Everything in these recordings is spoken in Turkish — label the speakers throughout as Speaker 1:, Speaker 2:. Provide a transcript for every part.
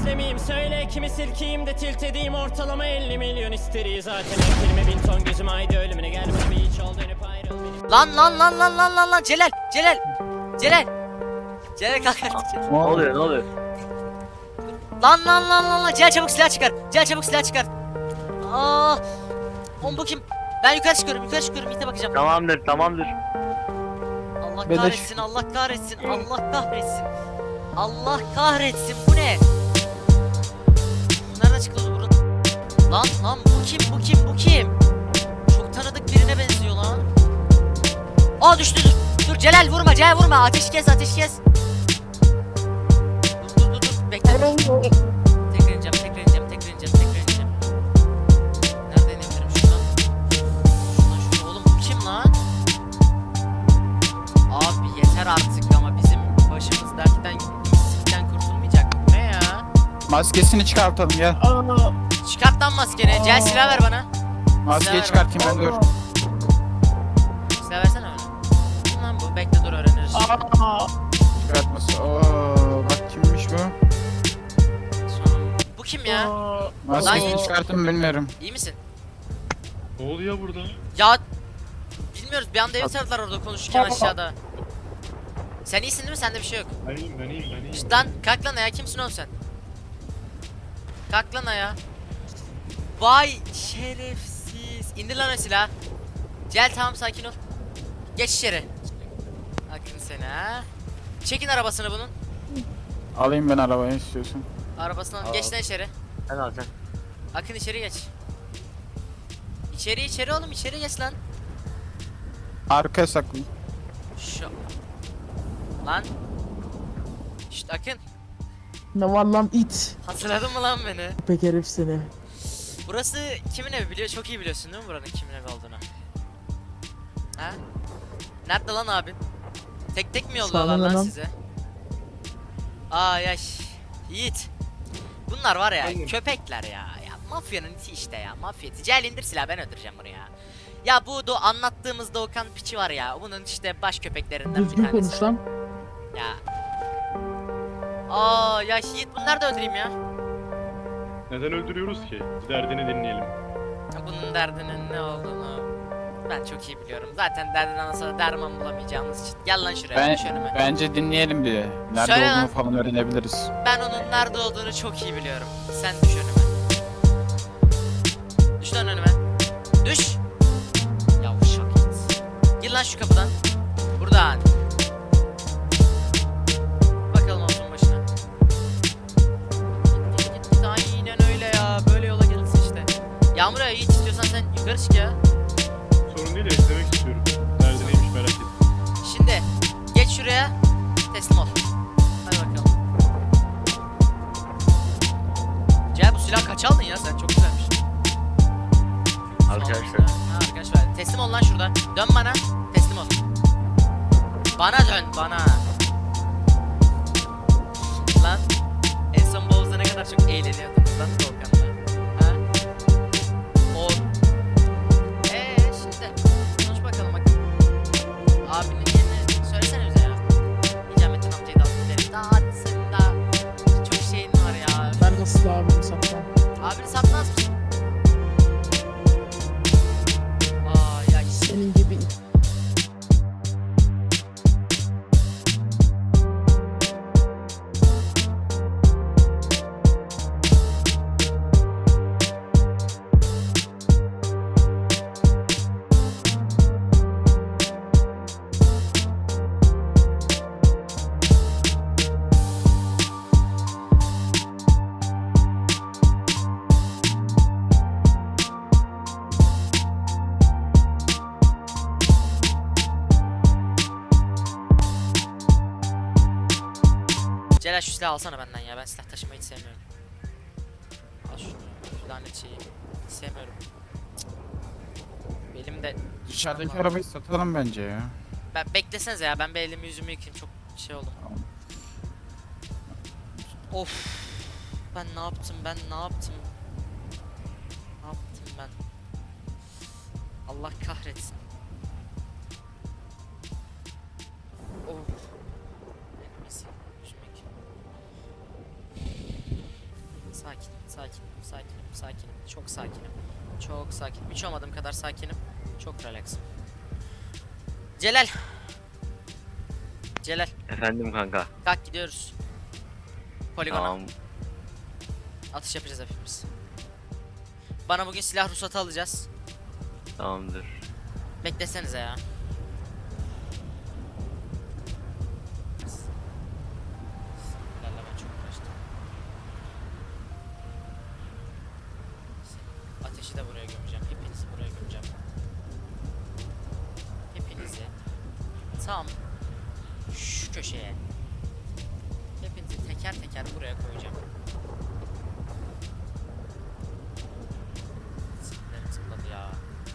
Speaker 1: miyim? Söyle kimi silkeyim de tilt edeyim. Ortalama 50 milyon isteri zaten. Elime 1000 ton gözüm haydi ölümüne gel bana bir hiç ol dönüp ayrıl benim.
Speaker 2: Lan Celal. Celal kalk artık.
Speaker 3: Ne oluyor?
Speaker 2: Lan. Celal çabuk silah çıkar. Aa. Oğlum bu kim? Ben yukarı çıkıyorum. İte bakacağım.
Speaker 3: Tamamdır.
Speaker 2: Allah
Speaker 4: Beleş.
Speaker 2: kahretsin. Bu ne? Nereden çıktı o burun? Lan bu kim? Çok tanıdık birine benziyor lan. Aa düştü. Dur Celal vurma. Ateş kes. Dur. Bekle. Tekrar ineceğim. Nereden inebilirim şuradan? Şuradan. Oğlum bu kim lan? Abi yeter artık ama bizim başımız dertten sikten kurtulmayacak. Bu ne ya?
Speaker 4: Maskesini çıkartalım gel.
Speaker 2: Çıkart lan maskeni. Gel silah ver bana.
Speaker 4: Maskeyi çıkartayım ben dur.
Speaker 2: Silah versene bana. Kim lan bu? Bekle dur öğreniriz.
Speaker 4: Çıkartması. Bak kimmiş bu?
Speaker 2: Bu kim ya?
Speaker 4: Maskesini
Speaker 2: Lan-
Speaker 4: çıkarttım bilmiyorum.
Speaker 2: İyi misin?
Speaker 5: Ne oluyor burada?
Speaker 2: Ya bilmiyoruz. Bir anda evi sardılar orada konuşurken aşağıda. Sen iyisin değil mi? Sende bir şey yok.
Speaker 5: Ben iyiyim.
Speaker 2: İşte lan kalk lan ayağa. Kimsin oğlum sen? Kalk lan ayağa. Vay şerefsiz. İndir lan o silahı. Gel tamam sakin ol. Geç içeri. Akın seni ha. Çekin arabasını bunun.
Speaker 4: Alayım ben arabayı istiyorsun.
Speaker 2: Arabasını al.
Speaker 3: Al.
Speaker 2: Geç lan içeri.
Speaker 3: Sen al sen.
Speaker 2: Akın içeri geç. İçeri oğlum içeri geç lan.
Speaker 4: Arkaya saklı.
Speaker 2: Şu. Lan. Şşt Akın.
Speaker 6: Ne var lan it?
Speaker 2: Hatırladın mı lan beni?
Speaker 6: Pek herif seni.
Speaker 2: Burası kimin evi biliyor? Çok iyi biliyorsun değil mi buranın kimin evi olduğunu? Ha? Nerede lan abin? Tek mi yolluyorlar lan
Speaker 6: Sağ olun.
Speaker 2: size? Aa yaş. Yiğit. Bunlar var ya köpekler ya. Ya mafyanın iti işte ya. Mafya iti. Gel indir silah ben öldüreceğim bunu ya. Ya bu anlattığımız Doğukan piçi var ya. Bunun işte baş köpeklerinden bir
Speaker 6: Düzgün
Speaker 2: tanesi.
Speaker 6: konuş lan.
Speaker 2: Ya. Aa ya Yiğit bunları da öldüreyim ya.
Speaker 5: Neden öldürüyoruz ki? Derdini dinleyelim.
Speaker 2: Bunun derdinin ne olduğunu ben çok iyi biliyorum. Zaten derdinden sonra derman bulamayacağımız için. Gel lan şuraya, düş önüme.
Speaker 4: Bence dinleyelim bir de. Nerede
Speaker 2: Söyle
Speaker 4: olduğunu
Speaker 2: lan.
Speaker 4: falan öğrenebiliriz.
Speaker 2: Ben onun nerede olduğunu çok iyi biliyorum. Sen düş önüme. Düş lan önüme. Düş. Yavşak git. Gir lan şu kapıdan. Buradan. Bakalım olsun başına. Git. Aynen öyle ya. Böyle yola gelirsin işte. Yağmur ya Yiğit istiyorsan sen yukarı çık ya.
Speaker 5: Sorun değil de izlemek istiyorum. Derdi neymiş merak ettim.
Speaker 2: Şimdi geç şuraya. Teslim ol. Hadi bakalım. Gel bu silah kaç aldın ya sen çok güzelmiş.
Speaker 3: Arkadaşlar.
Speaker 2: Ha, arkadaşlar teslim ol lan şurada. Dön bana. Teslim ol. Bana dön bana. Lan en son Bows'da ne kadar çok eğleniyordunuz lan Volkan'la. Ha? O. Şimdi konuş bakalım bak. Abinin yerini söylesene bize ya. Nicamettin amcayı da alıp gidelim. Daha hadi senin daha çok şeyin var ya.
Speaker 6: Ben nasıl abimi satmam?
Speaker 2: Abini satmaz mısın? Aa ya
Speaker 6: Senin gibi it.
Speaker 2: Celal şu silahı alsana benden ya. Ben silah taşımayı hiç sevmiyorum. Al şunu. Şu lanet şeyi. Hiç sevmiyorum. Cık. Belimde...
Speaker 4: Dışarıdaki arabayı satalım bence ya.
Speaker 2: Ben beklesenize ya. Ben bir elimi yüzümü yıkayayım. Çok şey oldum.
Speaker 4: Tamam.
Speaker 2: Of. Ben ne yaptım? Ne yaptım ben? Allah kahretsin. Of. Neyse, düşmek. Sakinim. Çok sakinim. Çok sakinim. Hiç olmadığım kadar sakinim. Çok relaxım. Celal.
Speaker 3: Efendim kanka.
Speaker 2: Kalk gidiyoruz. Poligona.
Speaker 3: Tamam.
Speaker 2: Atış yapacağız hepimiz. Bana bugün silah ruhsatı alacağız.
Speaker 3: Tamamdır.
Speaker 2: Beklesenize ya. Sinirlerle ben çok uğraştım. Ateşi de buraya gömeceğim. Hepinizi buraya gömeceğim. Hepinizi tam şu köşeye. Hepinizi teker teker buraya koyacağım. Sinirlerim zıpladı ya.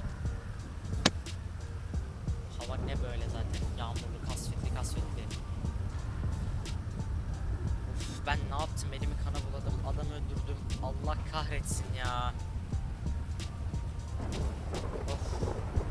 Speaker 2: Hava ne böyle zaten, yağmurlu, kasvetli. Uf, ben ne yaptım, elimi kana buladım, adam öldürdüm, Allah kahretsin ya. Of.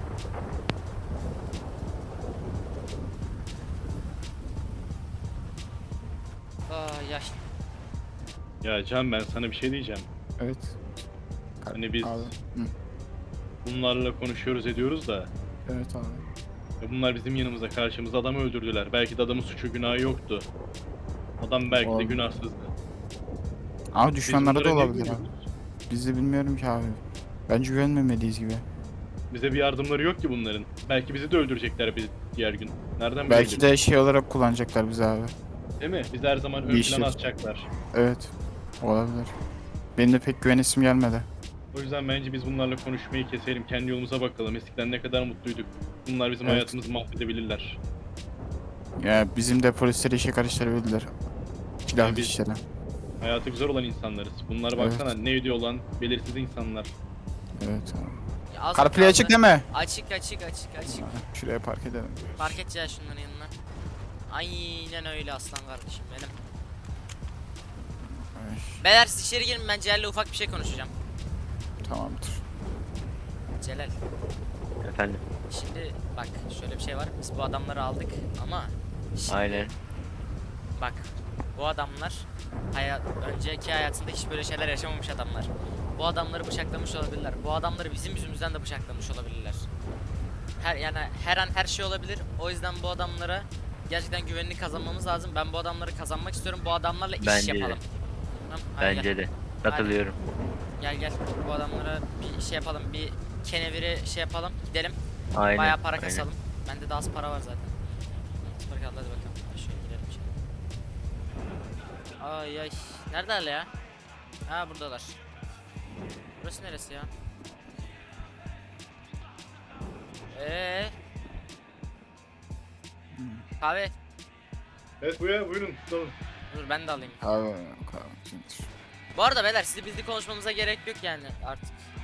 Speaker 2: Yaş.
Speaker 5: Ya Can, ben sana bir şey diyeceğim.
Speaker 4: Evet.
Speaker 5: Hani biz
Speaker 4: Abi. Hı.
Speaker 5: bunlarla konuşuyoruz ediyoruz da
Speaker 4: Evet abi.
Speaker 5: ya bunlar bizim yanımızda, karşımızda adamı öldürdüler. Belki de adamın suçu günahı yoktu. Adam belki de
Speaker 4: Olabilir.
Speaker 5: günahsızdı.
Speaker 4: Ama
Speaker 5: Biz
Speaker 4: düşmanlara da
Speaker 5: bunlara niye
Speaker 4: olabilir abi.
Speaker 5: güveniyoruz?
Speaker 4: Biz de bilmiyorum ki abi. Bence güvenmemeliyiz gibi.
Speaker 5: Bize bir yardımları yok ki bunların. Belki bizi de öldürecekler bir diğer gün. Nereden
Speaker 4: Belki
Speaker 5: bilelim?
Speaker 4: de şey olarak kullanacaklar bizi abi.
Speaker 5: Değil mi? Bizi her zaman ön
Speaker 4: Bir
Speaker 5: plana
Speaker 4: şey.
Speaker 5: atacaklar.
Speaker 4: Evet. Olabilir. Benim de pek güvenesim gelmedi.
Speaker 5: O yüzden bence biz bunlarla konuşmayı keselim. Kendi yolumuza bakalım. Eskiden ne kadar mutluyduk. Bunlar bizim
Speaker 4: Evet.
Speaker 5: hayatımızı mahvedebilirler.
Speaker 4: Ya bizim de polisleri işe karıştırabilirler. Silahlı
Speaker 5: Yani biz-
Speaker 4: işlere.
Speaker 5: Hayatı güzel olan insanlarız. Bunlara
Speaker 4: Evet.
Speaker 5: baksana, ne ediyor olan belirsiz insanlar.
Speaker 4: Evet abi.
Speaker 2: Ya az
Speaker 4: CarPlay
Speaker 2: kaldı.
Speaker 4: açık değil mi?
Speaker 2: Açık.
Speaker 4: Şuraya park edelim.
Speaker 2: Park edeceğiz şunların yanına. Aynen öyle aslan kardeşim benim.
Speaker 4: Ay,
Speaker 2: Beyler siz içeri girin, ben Celal'le ufak bir şey konuşacağım.
Speaker 4: tamamdır.
Speaker 2: Celal,
Speaker 3: Efendim.
Speaker 2: şimdi bak şöyle bir şey var, biz bu adamları aldık ama şimdi
Speaker 3: Aynen.
Speaker 2: bak bu adamlar önceki hayatında hiç böyle şeyler yaşamamış adamlar. Bu adamları bıçaklamış olabilirler. Bu adamları bizim yüzümüzden de bıçaklamış olabilirler. Her an her şey olabilir. O yüzden bu adamlara gerçekten güvenini kazanmamız lazım. Ben bu adamları kazanmak istiyorum. Bu adamlarla iş
Speaker 3: Bence de.
Speaker 2: yapalım. Tamam, hadi
Speaker 3: Bence de. Katılıyorum.
Speaker 2: gel. Bu adamlara bir şey yapalım. Bir keneviri şey yapalım. Gidelim.
Speaker 3: Aynen.
Speaker 2: Bayağı para
Speaker 3: aynen.
Speaker 2: kasalım. Bende de az para var zaten. Hadi bakalım. Şöyle gidelim şimdi. Ay. Neredeler ya? Ha, buradalar. Burası neresi ya? Kahve.
Speaker 5: Evet buyurun. Tamam.
Speaker 2: Dur ben de alayım.
Speaker 4: Abi.
Speaker 2: Bu arada beyler, sizi bizli konuşmamıza gerek yok yani artık.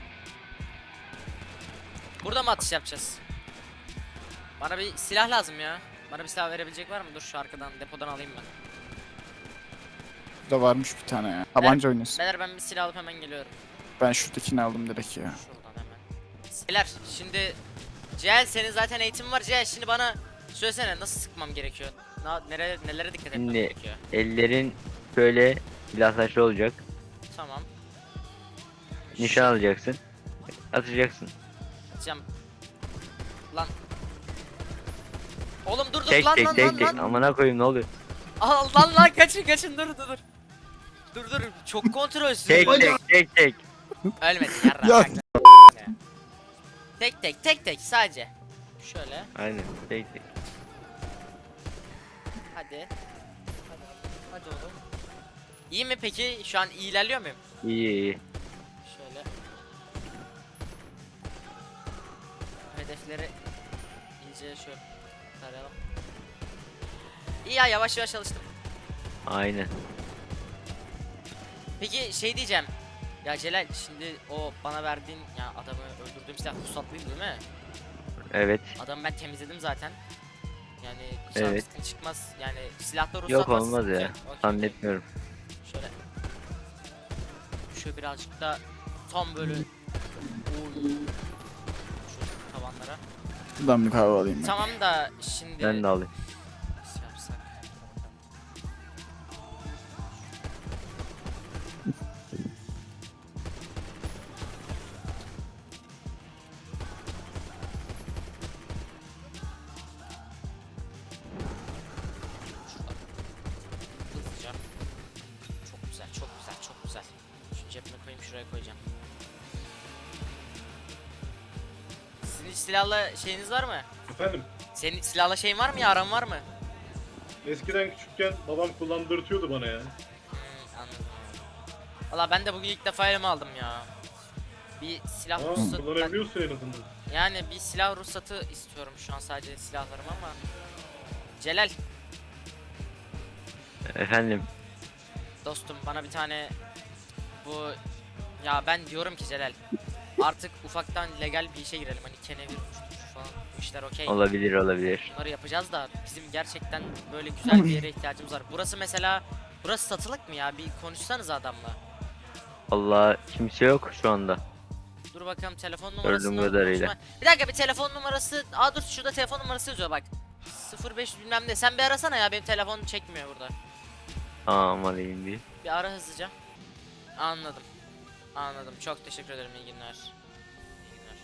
Speaker 2: Burada mı atış yapacağız? Bana bir silah lazım ya. Bana bir silah verebilecek var mı? Dur şu arkadan depodan alayım ben.
Speaker 4: Burada varmış bir tane ya. Tabanca oynuyorsun.
Speaker 2: Beyler ben bir silah alıp hemen geliyorum.
Speaker 4: Ben şuradakini aldım direkt ya.
Speaker 2: Şuradan hemen. Beyler şimdi Cihal, senin zaten eğitimin var. Cihal şimdi bana söylesene, nasıl sıkmam gerekiyor? Nelere dikkat etmem
Speaker 3: Şimdi
Speaker 2: gerekiyor?
Speaker 3: ellerin şöyle silah taşlı olacak.
Speaker 2: Tamam.
Speaker 3: Nişan alacaksın. Atacaksın.
Speaker 2: Atacağım. Lan. Oğlum dur
Speaker 3: Tek
Speaker 2: lan
Speaker 3: tek
Speaker 2: lan
Speaker 3: tek
Speaker 2: lan
Speaker 3: tek.
Speaker 2: lan.
Speaker 3: Amına koyayım, ne oluyor?
Speaker 2: Al lan kaçın dur. Dur çok kontrolsüz.
Speaker 3: Tek tek.
Speaker 2: Ölmedin yarra.
Speaker 4: Ya.
Speaker 2: Tek sadece. Şöyle
Speaker 3: Aynen. Tek tek.
Speaker 2: hadi. Hadi oğlum. İyi mi peki? Şu an iyi ilerliyor muyum?
Speaker 3: İyi.
Speaker 2: Şöyle. Hedefleri iyice şöyle tarayalım. İyi ya, yavaş alıştım.
Speaker 3: Aynen.
Speaker 2: Peki şey diyeceğim. Ya Celal, şimdi o bana verdiğin, ya adamı öldürdüğüm silah ruhsatlıydı değil mi?
Speaker 3: Evet.
Speaker 2: Adamı ben temizledim zaten. Yani
Speaker 3: Evet.
Speaker 2: sıkıntı çıkmaz. Yani silahta ruhsat
Speaker 3: Yok,
Speaker 2: varsa
Speaker 3: olmaz
Speaker 2: sıkıntı
Speaker 3: ya.
Speaker 2: yok. Okey.
Speaker 3: Zannetmiyorum.
Speaker 2: Şöyle. Şöyle birazcık da tam böyle şu tavanlara.
Speaker 4: Buradan bir kahve alayım ben.
Speaker 2: Tamam da şimdi
Speaker 3: Ben de alayım.
Speaker 2: nasıl yapsak? şuraya koyacağım. Sizin hiç silahla şeyiniz var mı?
Speaker 5: Efendim,
Speaker 2: Senin hiç silahla şeyin var mı ya, aran var mı?
Speaker 5: eskiden küçükken babam kullandırtıyordu bana ya.
Speaker 2: Anladım. Valla ben de bugün ilk defa elime aldım ya. Bir silah ruhsatı...
Speaker 5: Kullanabiliyorsun en azından.
Speaker 2: Yani bir silah ruhsatı istiyorum şu an, sadece silahlarım ama. Celal
Speaker 3: Efendim.
Speaker 2: dostum, bana bir tane bu, ya ben diyorum ki Celal, artık ufaktan legal bir işe girelim, hani kenevir uçturucu falan, bu işler okey.
Speaker 3: Olabilir olabilir.
Speaker 2: Bunları yapacağız da bizim gerçekten böyle güzel bir yere ihtiyacımız var. Burası mesela, burası satılık mı ya? Bir konuşsanız adamla.
Speaker 3: Allah kimse yok şu anda.
Speaker 2: Dur bakalım telefon
Speaker 3: Gördüğüm
Speaker 2: numarasını
Speaker 3: kadarıyla.
Speaker 2: konuşma. Bir dakika, bir telefon numarası. Aa dur, şurada telefon numarası yazıyor bak. 05 bilmem ne. Sen bir arasana ya, benim telefon çekmiyor burada.
Speaker 3: Tamam alayım bir.
Speaker 2: Bir ara hızlıca. Anladım. Anladım. Çok teşekkür ederim. İyi günler. İyi günler.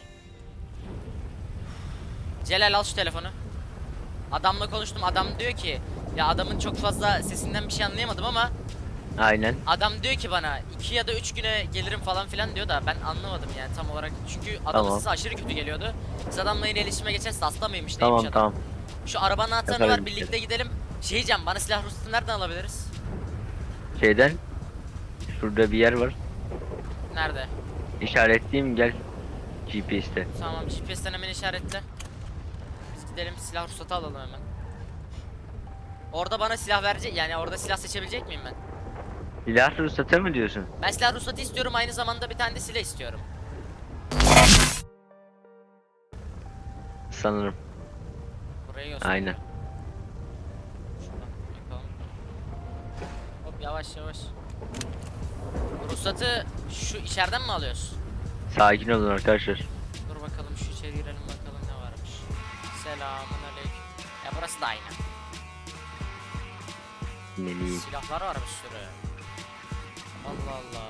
Speaker 2: Celal al şu telefonu. Adamla konuştum. Adam diyor ki, ya adamın çok fazla sesinden bir şey anlayamadım ama
Speaker 3: Aynen.
Speaker 2: adam diyor ki bana 2 ya da 3 güne gelirim falan filan diyor da ben anlamadım yani tam olarak. Çünkü adamın
Speaker 3: Tamam.
Speaker 2: sesi aşırı kötü geliyordu. Biz adamla yine iletişime geçerse hasta mıymış neymiş
Speaker 3: Tamam
Speaker 2: adam.
Speaker 3: tamam.
Speaker 2: Şu arabanın anahtarını
Speaker 3: Yaparım
Speaker 2: ver,
Speaker 3: bir
Speaker 2: birlikte gidelim. Şey diyeceğim, bana silah ruhsatını nereden alabiliriz?
Speaker 3: Şeyden. Şurada bir yer var.
Speaker 2: Nerede?
Speaker 3: İşaretleyeyim gel. GPS'te.
Speaker 2: Tamam, GPS'ten hemen işaretle. Biz gidelim silah ruhsatı alalım hemen. Orada bana silah verecek, yani orada silah seçebilecek miyim ben?
Speaker 3: Silah ruhsatı mı diyorsun?
Speaker 2: Ben silah ruhsatı istiyorum, aynı zamanda bir tane de silah istiyorum.
Speaker 3: Sanırım.
Speaker 2: Burayı göster.
Speaker 3: Aynen.
Speaker 2: Şuradan yapalım. Hop, yavaş yavaş. Ruhsatı şu içeriden mi alıyoruz?
Speaker 3: Sakin olun arkadaşlar.
Speaker 2: Dur bakalım, şu içeri girelim bakalım ne varmış. Selamünaleyküm. Ya burası da aynı.
Speaker 3: Melih.
Speaker 2: Silahlar var bir sürü. Allah Allah.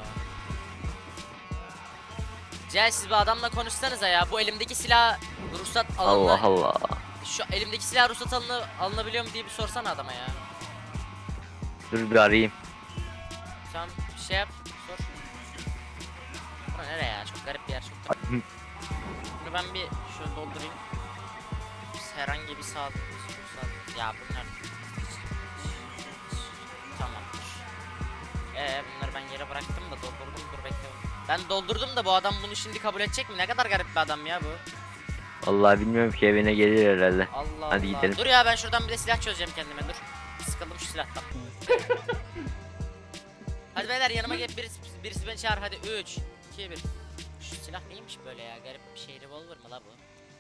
Speaker 2: Cel, siz bir adamla konuşsanıza ya. Bu elimdeki silah ruhsat
Speaker 3: Allah Allah.
Speaker 2: Şu elimdeki silah ruhsat alınabiliyor mu diye bir sorsana adama ya.
Speaker 3: Dur bir arayayım.
Speaker 2: Sen bir şey yap, sor. Bura nereye ya? Çok garip bir yer, çok garip. Bunu ben bir şöyle doldurayım. Herhangi bir saat. Ya bunlar... Tamamdır. Bunları ben yere bıraktım da doldurdum, dur bekle. Ben doldurdum da bu adam bunu şimdi kabul edecek mi? Ne kadar garip bir adam ya bu.
Speaker 3: Vallahi bilmiyorum ki, evine gelir herhalde.
Speaker 2: Allah
Speaker 3: Hadi
Speaker 2: Allah.
Speaker 3: gidelim.
Speaker 2: Dur ya, ben şuradan bir de silah çözeceğim kendime, dur. Sıkıldım şu silahtan. Hadi beyler yanıma gel, birisi beni çağır hadi. 3 2 1. Şu silah neymiş böyle ya, garip bir şey, revolver mı la bu?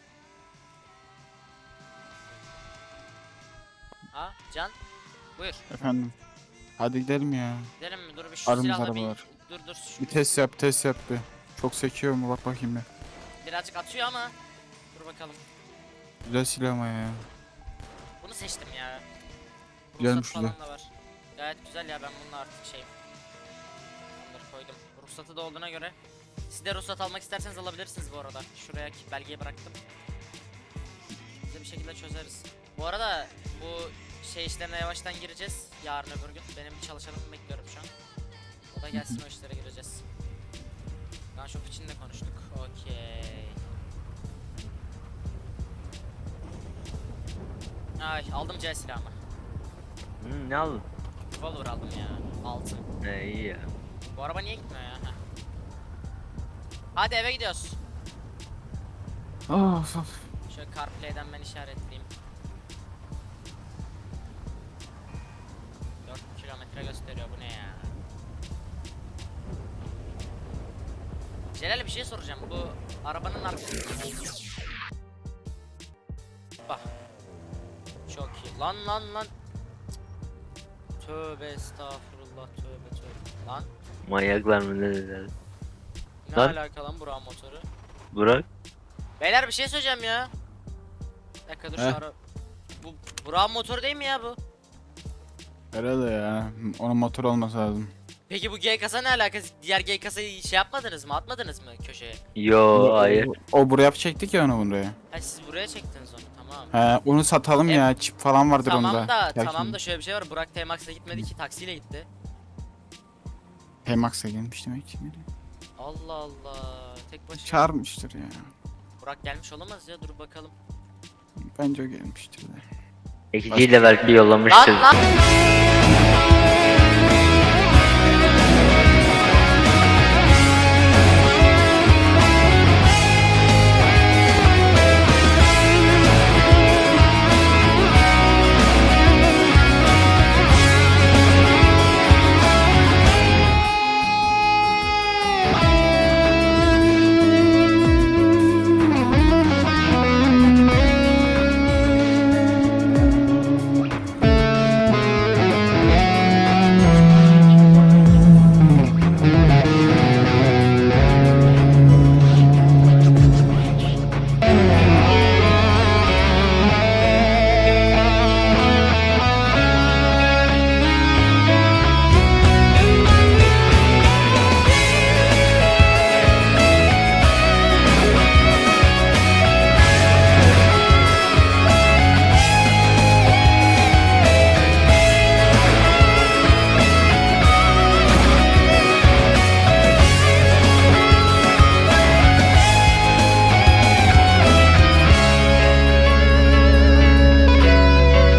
Speaker 2: Aa Can, buyur.
Speaker 4: Efendim. Hadi gidelim ya.
Speaker 2: Gidelim mi? Dur bir şu
Speaker 4: Aramız
Speaker 2: silahla bir...
Speaker 4: arabalar.
Speaker 2: Dur
Speaker 4: Bir test yap bir. Çok sekiyor mu bak bakayım bir.
Speaker 2: birazcık atıyor ama. Dur bakalım.
Speaker 4: Güzel silah ama ya.
Speaker 2: Bunu seçtim ya.
Speaker 4: Güzelmiş
Speaker 2: Ruhsat falan da var. Gayet güzel ya, ben bununla artık şeyim. Bunları koydum. Ruhsatı da olduğuna göre. Siz de ruhsat almak isterseniz alabilirsiniz bu arada. Şuraya belgeyi bıraktım. Biz de bir şekilde çözeriz. Bu arada bu şey işlerine yavaştan gireceğiz. Yarın öbür gün. Benim bir çalışanımı bekliyorum şu an. O da gelsin, o işlere gireceğiz. Gunshop için de konuştuk. Okey. Ay, aldım C silahımı.
Speaker 3: Ne aldın?
Speaker 2: Revolver aldım ya. Altın.
Speaker 3: İyi ya.
Speaker 2: Bu araba niye gitmiyor ya? Heh. Hadi eve gidiyoruz.
Speaker 4: Of of.
Speaker 2: Şöyle CarPlay'den ben işaretleyeyim. 4 kilometre gösteriyor, bu ne ya? Celal, bir şey soracağım. Bu arabanın arkası... Bak. Çok iyi. Lan. Tövbe estağfurullah, tövbe. Lan.
Speaker 3: Manyaklar mı ne dediler?
Speaker 2: Ne
Speaker 3: Lan.
Speaker 2: alaka lan Burak'ın motoru?
Speaker 3: Burak.
Speaker 2: Beyler bir şey söyleyeceğim ya. Bir dakika dur, şu
Speaker 4: Heh.
Speaker 2: ara... Bu Burak'ın motoru değil mi ya bu?
Speaker 4: Herhalde ya. Onun motor olması lazım.
Speaker 2: Peki bu G kasa ne alakası? Diğer G kasayı şey yapmadınız mı? Atmadınız mı köşeye?
Speaker 3: Yo hayır.
Speaker 4: O buraya çektik ya onu buraya.
Speaker 2: Ha, siz buraya çektiniz onu, tamam.
Speaker 4: He onu satalım ya. Çip falan vardır
Speaker 2: Tamam
Speaker 4: onda.
Speaker 2: da
Speaker 4: Belki
Speaker 2: tamam da şöyle bir şey var. Burak T-Max'a gitmedi ki, taksiyle gitti.
Speaker 4: P-Max'a gelmiş demek ki.
Speaker 2: Allah Allah. Tek başına.
Speaker 4: Çağırmıştır ya.
Speaker 2: Burak gelmiş olamaz ya, dur bakalım.
Speaker 4: Bence o gelmiştir de.
Speaker 3: Ekiciyle belki yollamıştır.
Speaker 2: Lan lan.